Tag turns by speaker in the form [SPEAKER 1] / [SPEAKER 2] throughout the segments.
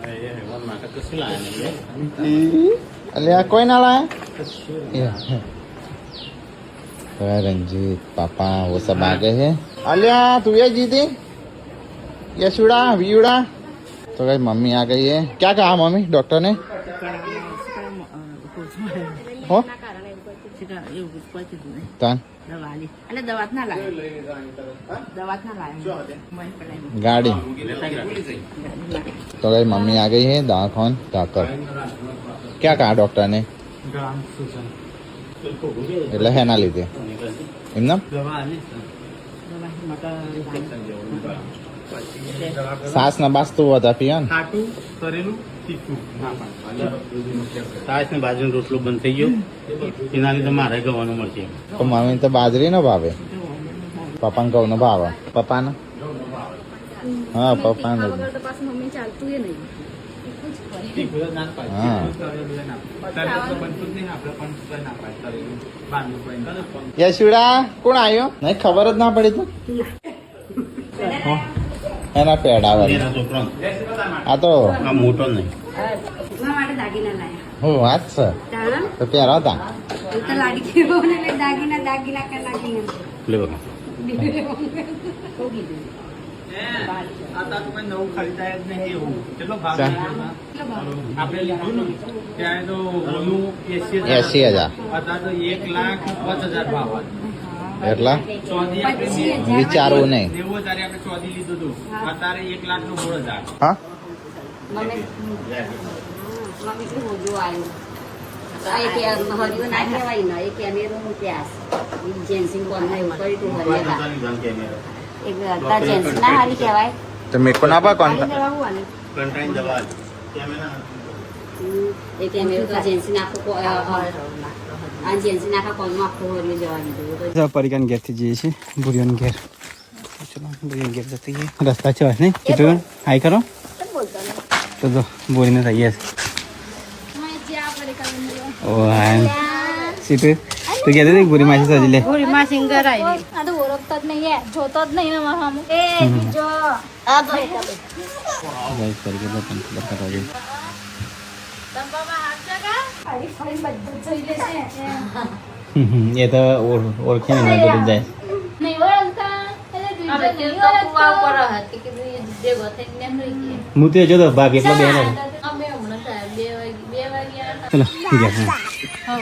[SPEAKER 1] अलिया कोई ना लाया रंजीत पापा वो सब आ गए हैं। अलिया तू ये जीती यशुड़ा वीड़ा तो भाई मम्मी आ गई है। क्या कहा मम्मी डॉक्टर ने? हो गाड़ी तो भाई मम्मी आ गई है दाखन जाकर। क्या कहा डॉक्टर ने? એટલે હેના લીધે એમના સાસ ના બાસ તો વધા પીયા ને ખાટું તરેલું તીખું સાસ ને બાજરીનો રોટલો બંધ થઈ ગયો એના લીધે મારે ગવાનું મળશે તો મમ્મી તો બાજરી નો ભાવે પપ્પાને ઘઉં નો ભાવે પપ્પાને હા પપ્પાને મમ્મી ચાલતું એ નહીં यशुड़ा कौन आयो नहीं खबर ज ना पड़ी तो एना पेड़ा वाली आ तो मोटो नहीं हो आज सर तो प्यारा था ले बघा आता तुम्हें नऊ खरीदा येत नाही हे हो चलो भाग आपले लिहून त्या तो 80,000 आता तो 1,05,000 भाव એટલા વિચારવું નહીં 90,000 આપણે 14 લીધું હતું અત્યારે 1,16,000 હા મમ્મી કે હોજો આવ્યો આ કે હરિયો ના કહેવાય ને એ કેમેરો નું પ્યાસ જેન્સિંગ કોણ ના ઉપર તો હરિયા एक आता जेंट्स ना हाली केवाय तो मेरे को ना पा कौन कंटाइन दवा कैमरा एक कैमरा का जेंट्स ना को आ जेंट्स ना का कोन आपको होरी जवानी दो तो परिकन गेट थी जी से बुरियन गेट चलो बुरियन गेट जाते हैं रास्ता चल नहीं किधर हाई करो तो दो बोरी ने रही है मैं जा परिकन ओ हाय सीटे तो कहते थे बुरी मासी सजले बुरी मासी घर आई आ तो ओळखत જ નહીં જોતો જ નહીં ને મારા એ બીજો આ તો ગાઈસ કરી કે પણ ખબર કરવા દે તંબામાં હાથ જગા ફરી ફરી બધું જોઈ લેશે ये तो ઓળખે ને બધું જાય નહીં ઓળખતા એટલે બીજો તો કુવા પર હતી કે જે ગોતે ને રહી હું તે જો તો ભાગ એટલો બેનો અમે હમણાં 2 વાગ્યા ચલો ઠીક છે હા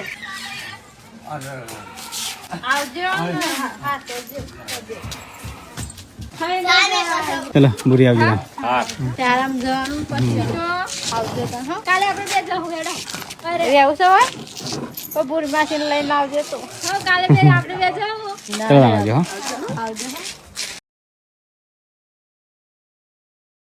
[SPEAKER 1] चलो बुरी आ गई चाराम जવાનું પછી આવજો તો હા કાલે આપણે બે જવું હેડો અરે એવું છે હોય તો બુરી માસીને લઈને આવજો તો હા કાલે બે આપણે બે જવું ચલો આવજો હા આવજો